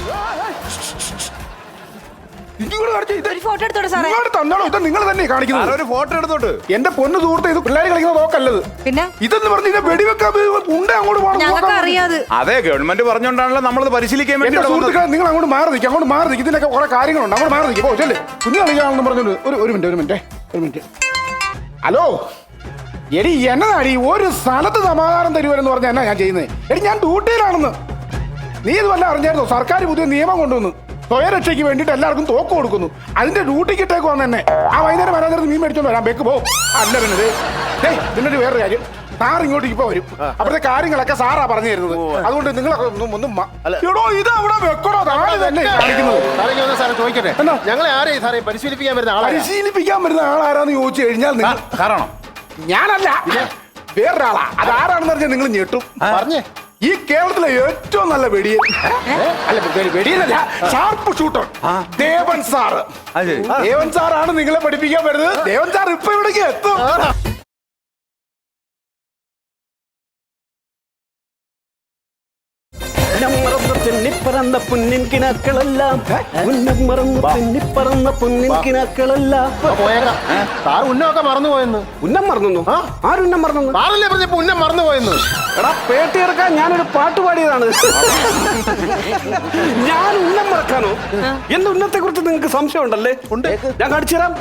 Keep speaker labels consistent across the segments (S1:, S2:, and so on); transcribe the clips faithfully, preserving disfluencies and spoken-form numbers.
S1: Photo എടുത്തോട്ടെ സാറേ.
S2: തന്നാണോ ഇത് നിങ്ങൾ തന്നെ കാണിക്കുന്നത്? ഒരു ഫോട്ടോ എടുത്തോട്ട്. എന്റെ പൊന്ന് സുഹൃത്ത്, ഇത് പിള്ളേർ കളിക്കുന്ന നോക്കല്ലത്.
S1: പിന്നെ
S2: ഇതെന്ന് പറഞ്ഞ വെടിവെക്കാൻ ഉണ്ട് അങ്ങോട്ട്
S1: ഞങ്ങൾക്ക് അറിയാതെ.
S3: അതെ, ഗവൺമെന്റ് പറഞ്ഞോണ്ടാണല്ലോ നമ്മളത് പരിശീലിക്കാൻ വേണ്ടി.
S2: സുഹൃത്തുക്കളെ, നിങ്ങൾ അങ്ങോട്ട് മാറി നിൽക്കും, അങ്ങോട്ട് മാറി നിൽക്കും. ഇതിനൊക്കെ കുറെ കാര്യങ്ങളുണ്ട്, അങ്ങോട്ട് മാറി നിൽക്കും. ചെല്ലേ, കുഞ്ഞു കളിക്കാണെന്ന് പറഞ്ഞോണ്ട് ഒരു ഒരു മിനിറ്റ് ഒരു മിനിറ്റ് ഒരു മിനിറ്റ് ഹലോ എടി, എന്നതാടി ഒരു സ്ഥലത്ത് സമാധാനം തരുവരെന്ന് പറഞ്ഞാൽ എന്നാ ഞാൻ ചെയ്യുന്നത്? എടി, ഞാൻ ഡ്യൂട്ടിയിലാണെന്ന്. നീ ഇത് വല്ല അറിഞ്ഞായിരുന്നോ? സർക്കാർ പുതിയ നിയമം കൊണ്ടുവന്നു. സ്വയരക്ഷയ്ക്ക് വേണ്ടിയിട്ട് എല്ലാവർക്കും തോക്ക് കൊടുക്കുന്നു. അതിന്റെ ഡ്യൂട്ടിക്ക് ഇട്ടേക്ക് വന്ന് തന്നെ ആ വൈകുന്നേരം വരാൻ നേരത്ത് മീൻ മേടിച്ചോണ്ട് വരാം. ബേക്ക് പോകും. അല്ല പിന്നെ ഏയ് പിന്നൊരു വേറൊരു കാര്യം, സാർ ഇങ്ങോട്ട് ഇപ്പൊ വരും. അപ്പോഴത്തെ കാര്യങ്ങളൊക്കെ സാറാ പറഞ്ഞു തരുന്നത്. അതുകൊണ്ട് നിങ്ങളൊക്കെ ഒന്നും ഒന്നും എടോ ഇത് അവിടെ വെക്കണോ? താഴെ തന്നെ കാണിക്കുന്നത്.
S4: സാറേ ചോദിക്കട്ടെ, ഞങ്ങളെ ആരെയും സാറേ പരിശീലിപ്പിക്കാൻ വരുന്ന ആളെ
S2: പരിശീലിപ്പിക്കാൻ വരുന്ന ആളാരാന്ന് ചോദിച്ചു കഴിഞ്ഞാൽ നിങ്ങൾ
S3: കാരണം
S2: ഞാനല്ല, വേറൊരാളാ. അതാരാണെന്ന് പറഞ്ഞാൽ നിങ്ങൾ ഞെട്ടും. പറഞ്ഞേ, ഈ കേരളത്തിലെ ഏറ്റവും നല്ല വെടിയൻ, അല്ല വെടിയനല്ല, sharp shooter Devan sir. Devan സാറാണ് നിങ്ങളെ പഠിപ്പിക്കാൻ വരുന്നത്. ദേവൻ സാർ ഇപ്പൊ ഇവിടേക്ക് എത്തും.
S5: പറന്ന പൊന്നിൻ കിനാക്കളെല്ലാം ഉന്നം മറന്ന് തെന്നിപ്പറന്ന പൊന്നിൻ കിനാക്കളെല്ലാം.
S4: സാർ ഉന്നമൊക്കെ മറന്നു പോയെന്ന്.
S5: ഉന്നം മറന്നു? ആരുന്നം മറന്നു?
S4: സാറല്ലേ പറഞ്ഞപ്പോ ഉന്നം മറന്നു പോയെന്ന്.
S5: എടാ പേട്ടി ഇറക്കാൻ ഞാനൊരു പാട്ട് പാടിയതാണ്. ഞാൻ ഉന്നം മറക്കാനോ? എന്റെ ഉന്നത്തെ കുറിച്ച് നിങ്ങൾക്ക് സംശയം ഉണ്ടല്ലേ? ഉണ്ട്. ഞാൻ കാണിച്ചു തരാം.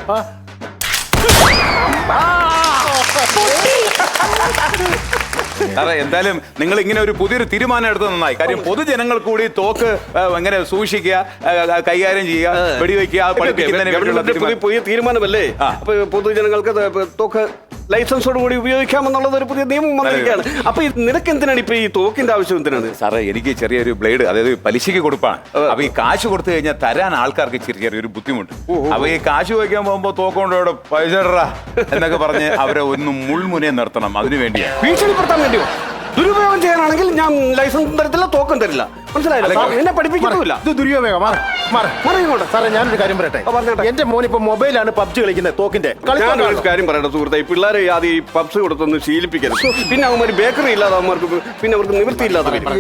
S3: സാറേ, എന്തായാലും നിങ്ങൾ ഇങ്ങനെ ഒരു പുതിയൊരു തീരുമാനം എടുത്തത് നന്നായി. കാര്യം പൊതുജനങ്ങൾ കൂടി തോക്ക് എങ്ങനെ സൂക്ഷിക്കുക, കൈകാര്യം ചെയ്യുക, വെടിവെക്കുക പഠിപ്പിക്കുന്നതിന്
S5: പുതിയ തീരുമാനമല്ലേ? അപ്പൊ പൊതുജനങ്ങൾക്ക് തോക്ക് ലൈസൻസോട് കൂടി ഉപയോഗിക്കാമെന്നുള്ളത് ഒരു പുതിയ നിയമം വന്നിരിക്കുകയാണ്. അപ്പൊ നിനക്ക് എന്തിനാണ് ഇപ്പൊ ഈ തോക്കിന്റെ ആവശ്യം? എന്തിനാണ് സാറേ?
S3: എനിക്ക് ചെറിയൊരു ബ്ലേഡ്, അതായത് പലിശക്ക് കൊടുപ്പാണ്. അപ്പൊ ഈ കാശ് കൊടുത്തു കഴിഞ്ഞാൽ തരാൻ ആൾക്കാർക്ക് ചെറിയ ചെറിയൊരു ബുദ്ധിമുട്ട്. അപ്പൊ ഈ കാശ് വയ്ക്കാൻ പോകുമ്പോ തോക്കൊണ്ടോടെ പൈസ എന്നൊക്കെ പറഞ്ഞ് അവരെ ഒന്ന് മുൾമുനയെ നിർത്തണം. അതിനു വേണ്ടിയാണ്.
S5: ഭീഷണിപ്പെടുത്താൻ വേണ്ടിയോ? ദുരുപയോഗം ചെയ്യാനാണെങ്കിൽ ഞാൻ ലൈസൻസും തരത്തില്ല, തോക്കും തരില്ല. മനസ്സിലായില്ല? എന്നെ പഠിപ്പിക്കില്ല.
S4: ഇത് ദുരുപയോഗം. സാറേ, ഞാനൊരു കാര്യം പറയട്ടെ. എന്റെ മോൻ ഇപ്പൊ മൊബൈലാണ് പബ്ജി കളിക്കുന്നത്, തോക്കിന്റെ.
S5: ഞാനൊരു കാര്യം പറയട്ടെ സുഹൃത്തെ, ഈ പിള്ളേരെ ആദ്യം ഈ പബ്സ് കൊടുത്തൊന്ന് ശീലിപ്പിക്കരുത്. പിന്നെ അവന്മാർ ബേക്കറി ഇല്ലാതെ അവന്മാർക്ക് പിന്നെ അവർക്ക് നിവൃത്തിയില്ലാതെ വരും.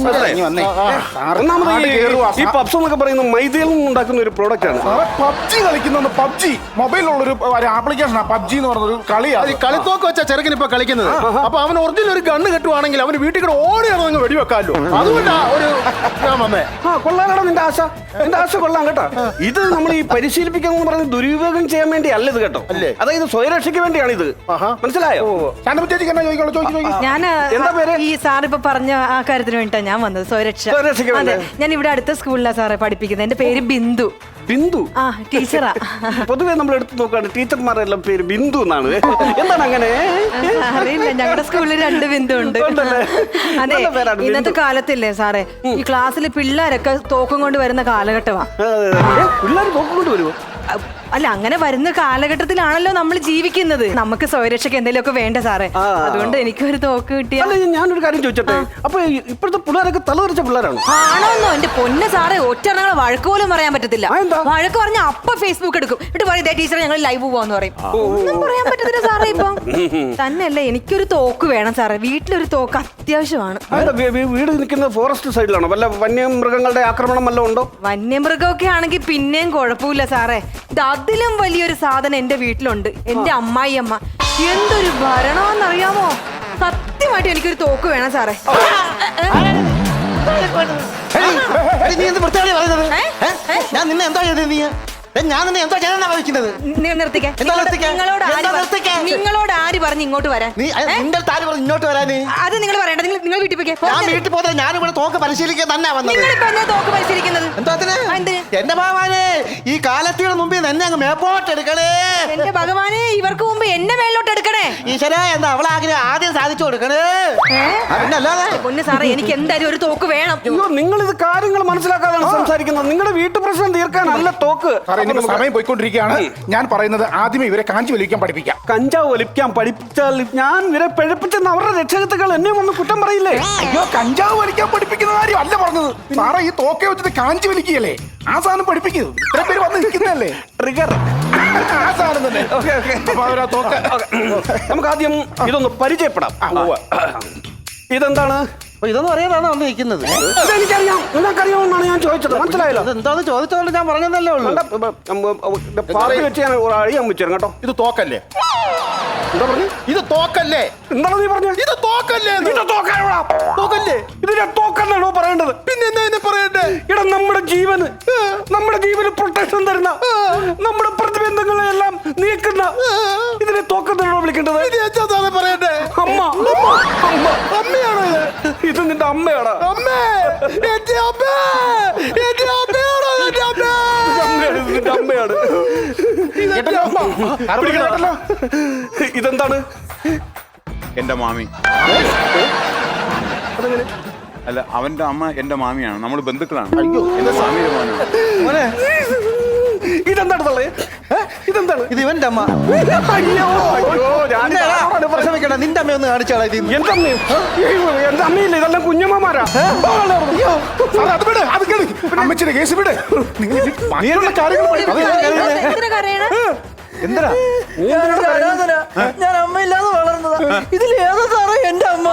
S5: ഒന്നാമത് ഈ പബ്സ് എന്നൊക്കെ പറയുന്നത് മൈദയിൽ നിന്ന് ഉണ്ടാക്കുന്ന ഒരു പ്രോഡക്റ്റ് ആണ്.
S2: പബ്ജി കളിക്കുന്ന പബ്ജി മൊബൈലിലുള്ള ഒരു ആപ്ലിക്കേഷനാണ് പബ്ജി എന്ന് പറഞ്ഞൊരു കളിയാണ്.
S4: കളിത്തോക്ക് വെച്ചാ ചെറുക്കൻ ഇപ്പൊ കളിക്കുന്നത്. അപ്പൊ അവൻ ഒറിജിനൽ ഒരു ഗണ്ണ് കെട്ടുവാണെങ്കിൽ അവന് വീട്ടിൽ കൂടെ ഓടി ഇറങ്ങി വെടിവെക്കാമല്ലോ. അതുകൊണ്ടാ ഒരു
S5: കൊള്ളാനാണ് നിന്റെ ആശ. നിന്റെ ആശ കൊള്ളാം കേട്ടോ. ഇത് നമ്മൾ ഈ പരിശീലിപ്പിക്കാന്ന് പറഞ്ഞ് ദുരുപയോഗം ചെയ്യാൻ വേണ്ടി അല്ല ഇത് കേട്ടോ. അതായത് സ്വയരക്ഷയ്ക്ക് വേണ്ടിയാണ് ഇത്. മനസ്സിലായോ?
S1: ഞാൻ
S5: എന്താ പേര്?
S1: ഈ സാർ ഇപ്പൊ പറഞ്ഞ ആ കാര്യത്തിന് വേണ്ടിട്ടാ ഞാൻ വന്നത്. സ്വയരക്ഷ. അതെ, ഞാൻ ഇവിടെ അടുത്ത സ്കൂളിലാണ് സാറേ പഠിപ്പിക്കുന്നത്. എന്റെ പേര് ബിന്ദു.
S5: ബിന്ദു?
S1: ആ, ടീച്ചറാ.
S5: പൊതുവെ നമ്മൾ എടുത്ത് നോക്കാണ് ടീച്ചർമാരെല്ലാം പേര് ബിന്ദു എന്നാണ്. എന്താണ് അങ്ങനെ?
S1: അറിയില്ല, ഞങ്ങളുടെ സ്കൂളിൽ രണ്ട് ബിന്ദു ഉണ്ട്. അതെ, ഇന്നത്തെ കാലത്തില്ലേ സാറേ, ഈ ക്ലാസ്സിൽ പിള്ളേരൊക്കെ തോക്കും കൊണ്ട് വരുന്ന കാലഘട്ടമാ.
S5: പിള്ളേർ തോക്കും കൊണ്ട് വരുമോ?
S1: അല്ല, അങ്ങനെ വരുന്ന കാലഘട്ടത്തിലാണല്ലോ നമ്മൾ ജീവിക്കുന്നത്. നമുക്ക് സ്വയരക്ഷയ്ക്ക് എന്തെങ്കിലുമൊക്കെ വേണ്ട സാറേ. അതുകൊണ്ട് എനിക്കൊരു തോക്ക് കിട്ടിയ.
S5: ഞാനൊരു കാര്യം ചോദിച്ചോട്ടെ, അപ്പൊ ഇപ്പോഴത്തെ പിള്ളേരൊക്കെ തലതെറിച്ച പിള്ളേരാണോ?
S1: ആണോന്നോ? എന്റെ പൊന്ന് സാറേ, ഒറ്റ വഴക്ക് പോലും പറയാൻ പറ്റത്തില്ല. വഴക്ക് പറഞ്ഞ അപ്പൊ ഫേസ്ബുക്ക് എടുക്കും. എന്നിട്ട് പറയും ടീച്ചർ ഞങ്ങൾ ലൈവ് പോവാന്ന് പറയും. ഒന്നും പറയാൻ പറ്റത്തില്ല സാറേ ഇപ്പൊ. തന്നെയല്ല, എനിക്കൊരു തോക്ക് വേണം സാറേ. വീട്ടിലൊരു തോക്ക് അത്യാവശ്യമാണ്.
S5: വീട് നിൽക്കുന്ന ഫോറസ്റ്റ് സൈഡിലാണോ? വല്ല വന്യമൃഗങ്ങളുടെ ആക്രമണം വല്ലതും ഉണ്ടോ?
S1: വന്യമൃഗമൊക്കെ ആണെങ്കിൽ പിന്നെയും കുഴപ്പമില്ല സാറേ. അതിലും വലിയൊരു സാധനം എന്റെ വീട്ടിലുണ്ട്. എന്റെ അമ്മായി അമ്മ എന്തൊരു ഭരണമെന്നറിയാമോ? സത്യമായിട്ട് എനിക്കൊരു തോക്ക് വേണം സാറേ.
S4: ഞാൻ നിന്നെ എന്താ ചെയ്തത്? നീ ഞാൻ നിന്നെ എന്താ ചെയ്യാനാ വഹിക്കുന്നത്?
S1: നിങ്ങളോട് നിങ്ങളോട് ആര് പറഞ്ഞു ഇങ്ങോട്ട് വരാൻ?
S4: ഇങ്ങോട്ട് വരാന്
S1: അത് നിങ്ങൾ പറയണ്ട. നിങ്ങൾ വീട്ടിൽ പോയി.
S4: ഞാൻ വീട്ടിൽ പോകുന്നത് ഞാനിവിടെ തോക്ക് പരിശീലിക്കാൻ തന്നെ വന്നത്.
S1: തോക്ക് പരിശീലിക്കുന്നത്
S4: എന്റെ ഭഗവാനെ, ഈ കാലത്തിന് മുമ്പിൽ തന്നെ അങ്ങ് മേപ്പോട്ട് എടുക്കണേ.
S1: എന്റെ ഭഗവാനെ, ഇവർക്ക് മുമ്പ് എന്നെ മേലോട്ട് എടുക്കണേ.
S4: ഈശ്വര, എന്താ അവളാഗ്രഹം ആദ്യം സാധിച്ചു കൊടുക്കണേ.
S1: അല്ലാതെ പൊന്നു സാറേ, എനിക്ക് എന്തായാലും ഒരു തോക്ക് വേണം.
S5: നിങ്ങൾ ഇത് കാര്യങ്ങൾ മനസ്സിലാക്കാതാണ് സംസാരിക്കുന്നത്. നിങ്ങളുടെ വീട്ടു പ്രശ്നം തീർക്കാനല്ല തോക്ക്.
S2: സമയം പോയിക്കൊണ്ടിരിക്കുകയാണ്. ഞാൻ പറയുന്നത് ആദ്യമേ ഇവരെ കാഞ്ചി വലിക്കാൻ പഠിപ്പിക്കാം.
S5: കഞ്ചാവ് വലിക്കാൻ പഠിപ്പിച്ചാൽ ഞാൻ ഇവരെ പിഴപ്പിച്ചെന്ന് അവരുടെ രക്ഷകത്തുകൾ എന്നെ ഒന്ന് കുറ്റം പറയില്ലേ?
S2: അയ്യോ, കഞ്ചാവ് വലിക്കാൻ പഠിപ്പിക്കുന്ന കാര്യം അല്ല പറഞ്ഞത് സാറേ. ഈ തോക്കെ വെച്ചിട്ട് കാഞ്ചി വലിക്കുകയല്ലേ, ആ സാധനം പഠിപ്പിക്കുന്നത്. ഇത്ര പേര് വന്ന് നിൽക്കുന്നതല്ലേ
S5: ട്രിഗർ.
S2: ആ സാധനം തന്നെ.
S5: നമുക്ക് ആദ്യം ഇതൊന്ന് പരിചയപ്പെടാം. ഇതെന്താണ്?
S6: അപ്പൊ ഇതൊന്നും അറിയാതാണ് വന്ന് നിൽക്കുന്നത്.
S5: ഇതെനിക്കറിയാം, നിങ്ങൾക്കറിയാമെന്നാണ് ഞാൻ ചോദിച്ചത്. മനസ്സിലായല്ലോ?
S6: എന്താന്ന് ചോദിച്ചോണ്ട് ഞാൻ പറഞ്ഞതല്ലേ ഉള്ളൂ.
S5: പാർട്ടി വെച്ച് ഞാൻ ഒരു അഴി അമ്മിച്ചു കേട്ടോ.
S4: ഇത് തോക്കല്ലേ?
S5: എന്താ പറഞ്ഞു?
S4: ഇത് തോക്കല്ലേ?
S5: എന്താണ് നീ പറഞ്ഞത്?
S4: ഇത് തോക്കല്ലേ?
S5: ഇത് തോക്കാനോടാ?
S4: തോക്കല്ലേ?
S5: ഇതിനെ തോക്കന്നാണോ പറയേണ്ടത്?
S4: പിന്നെ എന്താ ഇതിനെ പറയണ്ടേ?
S5: ഇവിടെ നമ്മുടെ ജീവന് നമ്മുടെ ജീവന് പ്രൊട്ടക്ഷൻ തരുന്ന നമ്മുടെ പ്രതിബന്ധങ്ങളെ എല്ലാം നീക്കുന്ന ഇതിനെ തോക്കെന്നാണോ വിളിക്കേണ്ടത്?
S4: ഇത് എന്താ പറയണ്ടേ?
S5: അമ്മ അമ്മ
S4: അമ്മയാണോ ഇത്?
S5: ഇത് നിന്റെ അമ്മയാടാ.
S4: അമ്മേ, എന്റെ അമ്മേ, എന്റെ അമ്മയാണോ? എന്റെ അമ്മേ.
S5: അമ്മയാണ്, ഇത് നിന്റെ അമ്മയാണ്.
S4: ഇതെന്റെ അമ്മ.
S5: പിടിക്കണോ? ഇതെന്താണ്?
S3: എന്റെ മാമി.
S5: അതെങ്ങനെ?
S3: അല്ല, അവന്റെ അമ്മ എന്റെ മാമിയാണ്, നമ്മൾ ബന്ധുക്കളാണ്. അയ്യോ, എന്റെ മാമിയുടെ മോനാണ്.
S6: മോനെ
S5: ഇതെന്താണ് തള്ളേ? ഇതെന്താണ്?
S6: ഇത് ഇവന്റെ അമ്മ.
S5: അയ്യോ അയ്യോ, ഞാൻ
S6: നിന്നെ പ്രസവിക്കണ്ട, നിന്റെ അമ്മ ഒന്ന് കാണിച്ചാളാ ഇത്.
S5: എന്റെ അമ്മയും എന്റെ അമ്മയില്ല, ഇതെല്ലാം കുഞ്ഞമ്മമാരാ.
S2: അയ്യോ, സാറേ, അത് വിട്, അത് കേള്. അമ്മച്ചിയുടെ കേസ് വിട്. നിങ്ങൾ ഇത് ബാക്കിയുള്ള കാര്യങ്ങൾ പഠിക്ക്.
S1: എന്തിനാ കരയണേ?
S6: എന്തിനാ ഞാൻ അമ്മയില്ലാതെ വളർന്നതാ. ഇതിൽ ഏതാ സാറേ എന്റെ അമ്മ?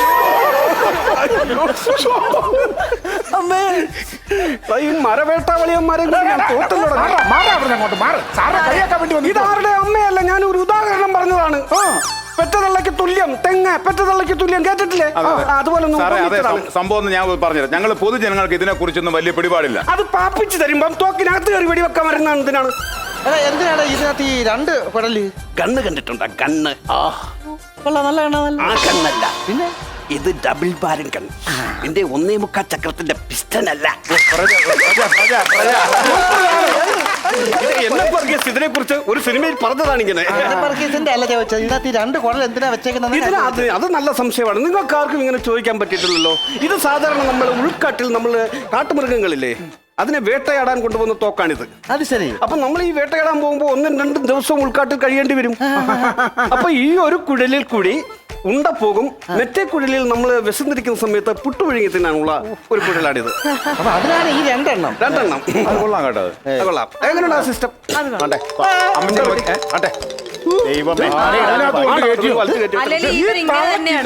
S6: അമ്മേ,
S5: ഈ മരവേട്ടാവളിയന്മാരെ ഞാൻ തോട്ടല്ലോ.
S2: മാറാ, മാറാ അവിടുന്ന് അങ്ങോട്ട് മാറ്. സാറിനെ കളിയാക്കാൻ വേണ്ടി വന്നു.
S5: ഇതാരുടെ അമ്മയല്ല, ഞാൻ ഒരു ഉദാഹരണം പറഞ്ഞതാണ്. പെറ്റതള്ളയ്ക്ക് തുല്യം തെങ്ങ്, പെറ്റതള്ളയ്ക്ക് തുല്യം, കേട്ടിട്ടില്ലേ? അതുപോലെ ഒന്ന്
S3: സാറേ, അതെ,
S5: ഉപമിച്ചതാണ്.
S3: സം- സംഭവം ഒന്ന് ഞാൻ പറഞ്ഞുതരാം. ഞങ്ങൾ പൊതുജനങ്ങൾക്ക് ഇതിനെ കുറിച്ചൊന്നും വലിയ പിടിപാടില്ല.
S5: അത് പാപ്പിച്ച് തരുമ്പം തോക്കിനകത്ത് കയറി വെടിവെക്കാൻ വരുന്ന എന്തിനാണ്?
S6: എടാ എന്തിനാടാ ഇതിനകത്ത് ഈ രണ്ട് കുടല്?
S5: കണ്ണ് കണ്ടിട്ടുണ്ടോ? കണ്ണ്
S6: കൊള്ളാം, നല്ല കണ്ണാ, നല്ല.
S5: ആ കണ്ണല്ല,
S6: പിന്നെ
S5: ഇത് ഡബിൾ ബാരൻ കണ്ണ്. എന്റെ ഒന്നേ മുക്കാ ചക്രത്തിന്റെ പിസ്റ്റൻ അല്ല. എന്നെ വർഗീസ് ഇതിനെ കുറിച്ച് ഒരു സിനിമയിൽ പറഞ്ഞതാണ് ഇങ്ങനെ.
S6: വർഗീസിന്റെ അല്ല ചോദിച്ചത്, ഇതിനകത്ത് ഈ രണ്ട് കുടൽ എന്തിനാ വെച്ചേക്കുന്നത്?
S5: ഇതിന് അത് അത് നല്ല സംശയമാണ്. നിങ്ങൾക്ക് ആർക്കും ഇങ്ങനെ ചോദിക്കാൻ പറ്റിയിട്ടില്ലല്ലോ. ഇത് സാധാരണ നമ്മൾ ഉൾക്കാട്ടിൽ നമ്മൾ കാട്ടുമൃഗങ്ങളില്ലേ, അതിനെ വേട്ടയാടാൻ കൊണ്ടുപോകുന്ന തോക്കാണിത്.
S6: അത് ശരി.
S5: അപ്പൊ നമ്മൾ ഈ വേട്ടയാടാൻ പോകുമ്പോൾ ഒന്നും രണ്ടും ദിവസവും ഉൾക്കാട്ടിൽ കഴിയേണ്ടി വരും. അപ്പൊ ഈ ഒരു കുഴലിൽ കൂടി ഉണ്ട പോകും. മറ്റേ കുഴലിൽ നമ്മൾ വിശന്നിരിക്കുന്ന സമയത്ത് പുട്ടുപുഴുങ്ങി തിന്നാനുള്ള ഒരു കുഴലാണിത്.
S6: അപ്പൊ അതിനാണ് ഈ രണ്ടെണ്ണം.
S5: രണ്ടെണ്ണം.
S3: അത് കൊള്ളാം കേട്ടോ. അത്.
S5: അത് കൊള്ളാം. എങ്ങനെയുണ്ട് ആ സിസ്റ്റം?
S3: അമ്മച്ചി നോക്കി- ഏ?
S4: ആട്ടെ. ദൈവമേ.
S2: അതിനകത്ത് കൊണ്ട് കയറ്റിയോ?
S1: അല്ലെങ്കിൽ ഇവരിങ്ങനെ തന്നെയാണ്.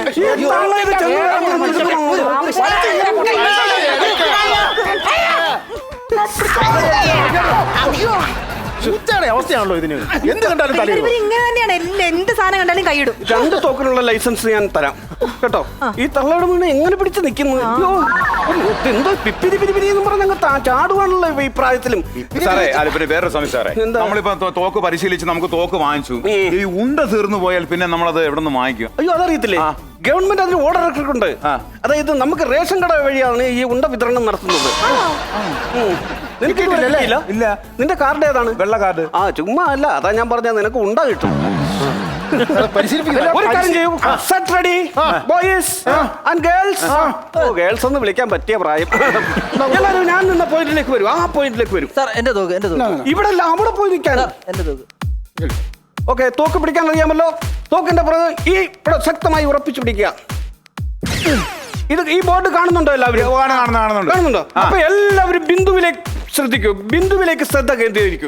S1: അയ്യോ,
S4: പൂച്ചയുടെ അവസ്ഥയാണല്ലോ ഇതിന്. എന്ത് കണ്ടാലും തലയിൽ
S1: ഇവർ ഇങ്ങനെ തന്നെയാണ്. എല്ലാം എന്ത് സാധനം കണ്ടാലും കൈയിടും.
S5: രണ്ട് തോക്കിനുള്ള ലൈസൻസ് ഞാൻ തരാം കേട്ടോ. ഈ തള്ളയുടെ വീണ് എങ്ങനെ പിടിച്ച് നിൽക്കുന്നു? അയ്യോ, എന്തോ പിപ്പിരി പിരിപിരി എന്ന് പറഞ്ഞ ചാടുവാണല്ലോ ഈ പ്രായത്തിലും.
S3: സാറേ, അത് പിന്നെ വേറൊരു സമയം സാറേ,
S5: എന്താ?
S3: നമ്മളിപ്പോ തോ- തോക്ക് പരിശീലിച്ച് നമുക്ക് തോക്ക് വാങ്ങിച്ചു. ഈ ഉണ്ട തീർന്നു പോയാൽ പിന്നെ നമ്മളത് എവിടെ നിന്ന് വാങ്ങിക്കും?
S5: അയ്യോ, അതറിയത്തില്ലേ? ഗവൺമെന്റ് അതിന് ഓർഡർ ഇട്ടിട്ടുണ്ട്. അതായത് നമുക്ക് റേഷൻ കട വഴിയാണ് ഈ ഉണ്ട വിതരണം നടത്തുന്നത്. ഉം. നിനക്ക് ഇതുവരെ കിട്ടിയില്ല?
S3: ഇല്ല.
S5: നിന്റെ കാർഡ് ഏതാണ്?
S3: വെള്ള കാർഡ്.
S5: ആ, ചുമ്മാ അല്ല, അതാ ഞാൻ പറഞ്ഞത്, നിനക്ക് ഉണ്ട കിട്ടും.
S4: പരിശീലിപ്പിക്കില്ല.
S5: ഒരു കാര്യം ചെയ്യൂ, set ready boys and girls. ഓ, ഗേൾസ് ഒന്ന് വിളിക്കാൻ പറ്റിയ പ്രായം. എല്ലാവരും ഞാൻ നിന്ന പോയിന്റിലേക്ക് വരും. ആ പോയിന്റിലേക്ക് വരും.
S6: സാർ എന്റെ തോക്ക്, എന്റെ തോക്ക്,
S5: ഇവിടെ അല്ല, അവിടെ പോയി നിൽക്കാൻ.
S6: എന്റെ തോക്ക്.
S5: ഓക്കെ, തോക്ക് പിടിക്കാൻ അറിയാമല്ലോ. തോക്കിന്റെ പുറകെ ഈ ഇവിടെ ശക്തമായി ഉറപ്പിച്ചു പിടിക്കുക. ഇത് ഈ ബോർഡ് കാണുന്നുണ്ടോ എല്ലാവരും?
S3: കാണുന്നു, കാണുന്നു, കാണുന്നുണ്ട്.
S5: കാണുന്നുണ്ടോ? അപ്പൊ എല്ലാവരും ബിന്ദുവിലേക്ക് ശ്രദ്ധിക്കൂ. ബിന്ദുവിലേക്ക് ശ്രദ്ധ കേന്ദ്രീകരിക്കൂ.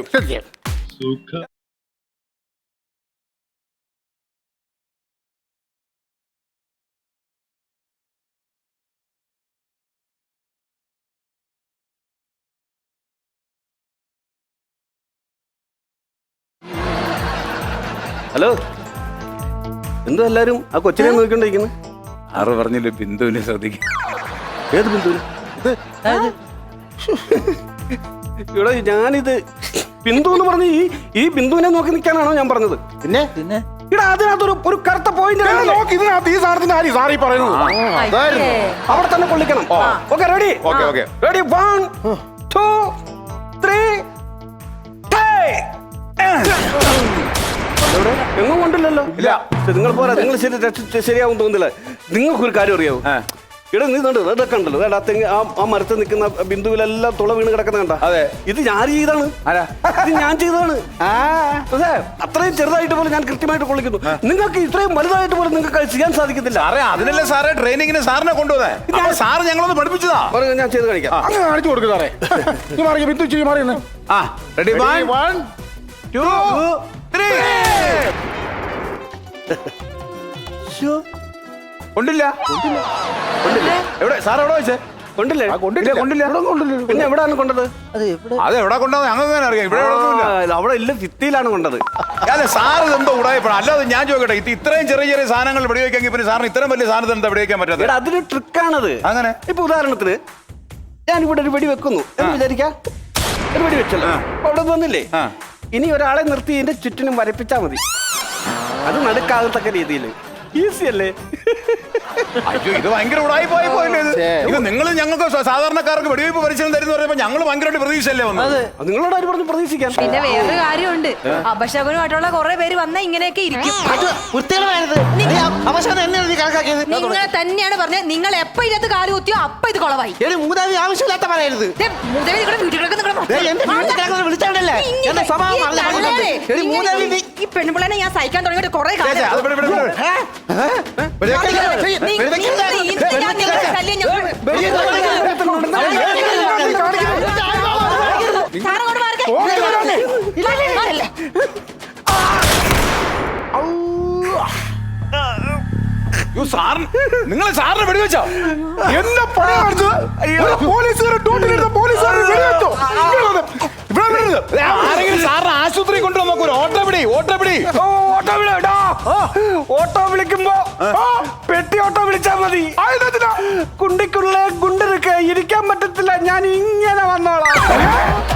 S5: ഹലോ, എന്തോ എല്ലാരും ആ കൊച്ചിനെ നോക്കിക്കൊണ്ടിരിക്കുന്നു?
S3: ആറ് പറഞ്ഞില്ലേ ബിന്ദുവിനെ ശ്രദ്ധിക്കും.
S5: ഏത് ബിന്ദുവിന്? ഇവിടെ ഞാനിത് ബിന്ദു എന്ന് പറഞ്ഞ ഈ ഈ ബിന്ദുവിനെ നോക്കി നിൽക്കാനാണോ ഞാൻ പറഞ്ഞത്?
S4: പിന്നെ
S6: പിന്നെ
S5: ഇവിടെ അതിനകത്തൊരു ഒരു കറുത്ത പോയിന്റ്
S2: നോക്ക്, ഇതിനകത്ത് ഈ സാധനത്തിന്റെ കാര്യം സാറി പറയുന്നത്.
S1: അയ്യേ.
S5: അവിടെ തന്നെ കൊള്ളിക്കണം. Okay, ready?
S3: Okay, okay.
S5: Ready? One two three. എങ്ങും കൊണ്ടില്ലല്ലോ.
S3: ഇല്ല.
S5: നിങ്ങൾ പോരാ, നിങ്ങൾ ശരി രക്ഷ- ശരിയാവും തോന്നുന്നില്ല. നിങ്ങൾക്കൊരു കാര്യം അറിയാവോ? ഇവിടെ നീ കണ്ടോ, ഇതൊക്കെ ഉണ്ടല്ലോ, ഇതാ തെങ്ങ്, ആ ആ മരത്തിൽ നിൽക്കുന്ന ബിന്ദുവിലെല്ലാം തുള വീണ് കിടക്കുന്ന കണ്ട.
S3: അതെ.
S5: ഇത് ഞാൻ ചെയ്താണ്. ഇത് ഞാൻ ചെയ്തതാണ്. അതെ, അത്രയും ചെറുതായിട്ട് പോലും ഞാൻ കൃത്യമായിട്ട് കൊള്ളിക്കുന്നു. നിങ്ങൾക്ക് ഇത്രയും വലുതായിട്ട് പോലും നിങ്ങൾക്ക് ചെയ്യാൻ സാധിക്കത്തില്ല.
S3: സാറേ, അതിനല്ലേ സാറേ ട്രെയിനിങ്ങിന് സാറിനെ കൊണ്ടുപോന്നെ. സാറ് ഞങ്ങളൊന്ന് പഠിപ്പിച്ചതാ.
S5: പറഞ്ഞു, ഞാൻ ചെയ്ത് കാണിക്കാം.
S2: അങ്ങനെ കാണിച്ചു കൊടുക്കുക സാറേ. ഈ മാറി ബിന്ദു ചെയ്യും മാറിയെന്ന്.
S3: ആ, റെഡി?
S4: One
S3: two three. കൊണ്ടില്ല കൊണ്ടില്ല എവിടെ സാർ എവിടെ വെച്ചേ
S5: കൊണ്ടില്ലേ
S3: കൊണ്ടില്ല കൊണ്ടില്ല
S5: പിന്നെ എവിടെയാണ് കൊണ്ടത്?
S6: അത് എവിടെ
S3: അത് എവിടെ കൊണ്ടുവന്ന് ഞങ്ങൾക്ക് തന്നെ അറിയാം ഇവിടെ എവിടെ ഒന്നുമില്ല.
S5: ആ, അവിടെ ഇല്ല ഭിത്തിയിലാണ് കൊണ്ടത്.
S3: അതെ സാർ ഇതെന്തോ ഉടായപ്പോഴാണ് അല്ലാതെ ഞാൻ ചോദിക്കട്ടെ ഇത് ഇത്രയും ചെറിയ ചെറിയ സാധനങ്ങൾ വെടിവെക്കാൻ പിന്നെ സാറിന് ഇത്രയും വലിയ സാധനത്തിൽ എന്താ വെടിവെക്കാൻ പറ്റാത്തത്?
S5: എടാ അതൊരു ട്രിക്കാണത്.
S3: അങ്ങനെ
S5: ഇപ്പൊ ഉദാഹരണത്തിന് ഞാൻ ഇവിടെ ഒരു വെടി വെക്കുന്നു എന്ന് വിചാരിക്കാം. ഒരു വെടി വെച്ചല്ലോ, അപ്പൊ അവിടെ വന്നില്ലേ,
S3: ആ.
S5: ഇനി ഒരാളെ നിർത്തി ഇതിന്റെ ചുറ്റിനും വരപ്പിച്ചാ മതി. അത് നടുക്കാകത്തക്ക രീതിയിൽ ഈസി അല്ലേ?
S3: അയ്യോ ഇത് ഭയങ്കര ഉടായി പോയി പോയില്ലേ ഇത്? ഇത് നിങ്ങൾ ഞങ്ങൾക്ക് സ- സാധാരണക്കാർക്ക് വെടിവെയ്പ്പ് പരിശീലനം തരുന്ന പറയുമ്പോൾ ഞങ്ങൾ ഭയങ്കരമായിട്ട് പ്രതീക്ഷയല്ലേ വന്നത്?
S5: അത് നിങ്ങളോട് ആര് പറഞ്ഞു പ്രതീക്ഷിക്കാൻ?
S1: പിന്നെ വേറൊരു കാര്യമുണ്ട്, അപശകുനമായിട്ടുള്ള കുറെ പേര് വന്ന ഇങ്ങനെയൊക്കെ ഇരിക്കും.
S6: അത് വൃത്തികേടായത്. നീ അവസാനം എന്നെയാണ് നീ കണക്കാക്കിയത്.
S1: നിങ്ങളെ തന്നെയാണ് പറഞ്ഞത്, നിങ്ങൾ എപ്പോ ഇതിനകത്ത് കാല് കുത്തിയോ അപ്പൊ ഇത് കുളവായി.
S6: എടി മൂതാവി ആവശ്യമില്ലാത്ത പറയരുത്.
S1: ദേ, മുതലേ നിങ്ങളുടെ വീട്ടിലേക്ക് നിങ്ങളുടെ
S6: ദേ, എന്റെ വീട്ടിൽ കിടക്കുന്നത് വിളിച്ചാണ്ടല്ലേ
S1: ഇങ്ങനെ
S6: എന്റെ സ്വഭാവം
S1: ഈ
S6: അറിഞ്ഞ
S1: തള്ളേരെ,
S6: ആളുകളുണ്ട്. എടി
S1: ഇങ്ങനെ
S6: മൂതാവി നീ
S1: ഈ പെൺപിള്ളേനെ ഞാൻ സഹിക്കാൻ തുടങ്ങിയിട്ട് കുറെ
S3: ചേ, ചേ, അത് ഇവിടെ, ഇവിടെ, ഇവിടെ. നിങ്ങൾ സാറിന് വെടിവെച്ചോ?
S2: എന്നെ പണി കാണിച്ചത് പോലീസുകാരെ ഡ്യൂട്ടിയിലിരുന്ന പോലീസുകാരെ വെടിവെച്ചോ? ഇവിടെ വരരുത്.
S3: ആരെങ്കിലും സാറിന് ആശുപത്രി കൊണ്ടുവന്ന് നോക്കൂ. ഓട്ടോ പിടി ഓട്ടോ പിടി
S5: ഓട്ടോ വിളിടാ, ഓട്ടോ വിളിക്കുമ്പോ പെട്ടി ഓട്ടോ വിളിച്ചാ മതി. കുണ്ടിക്കുള്ള ഗുണ്ടിരിക്ക ഇരിക്കാൻ പറ്റത്തില്ല, ഞാൻ ഇങ്ങനെ വന്നോളാം.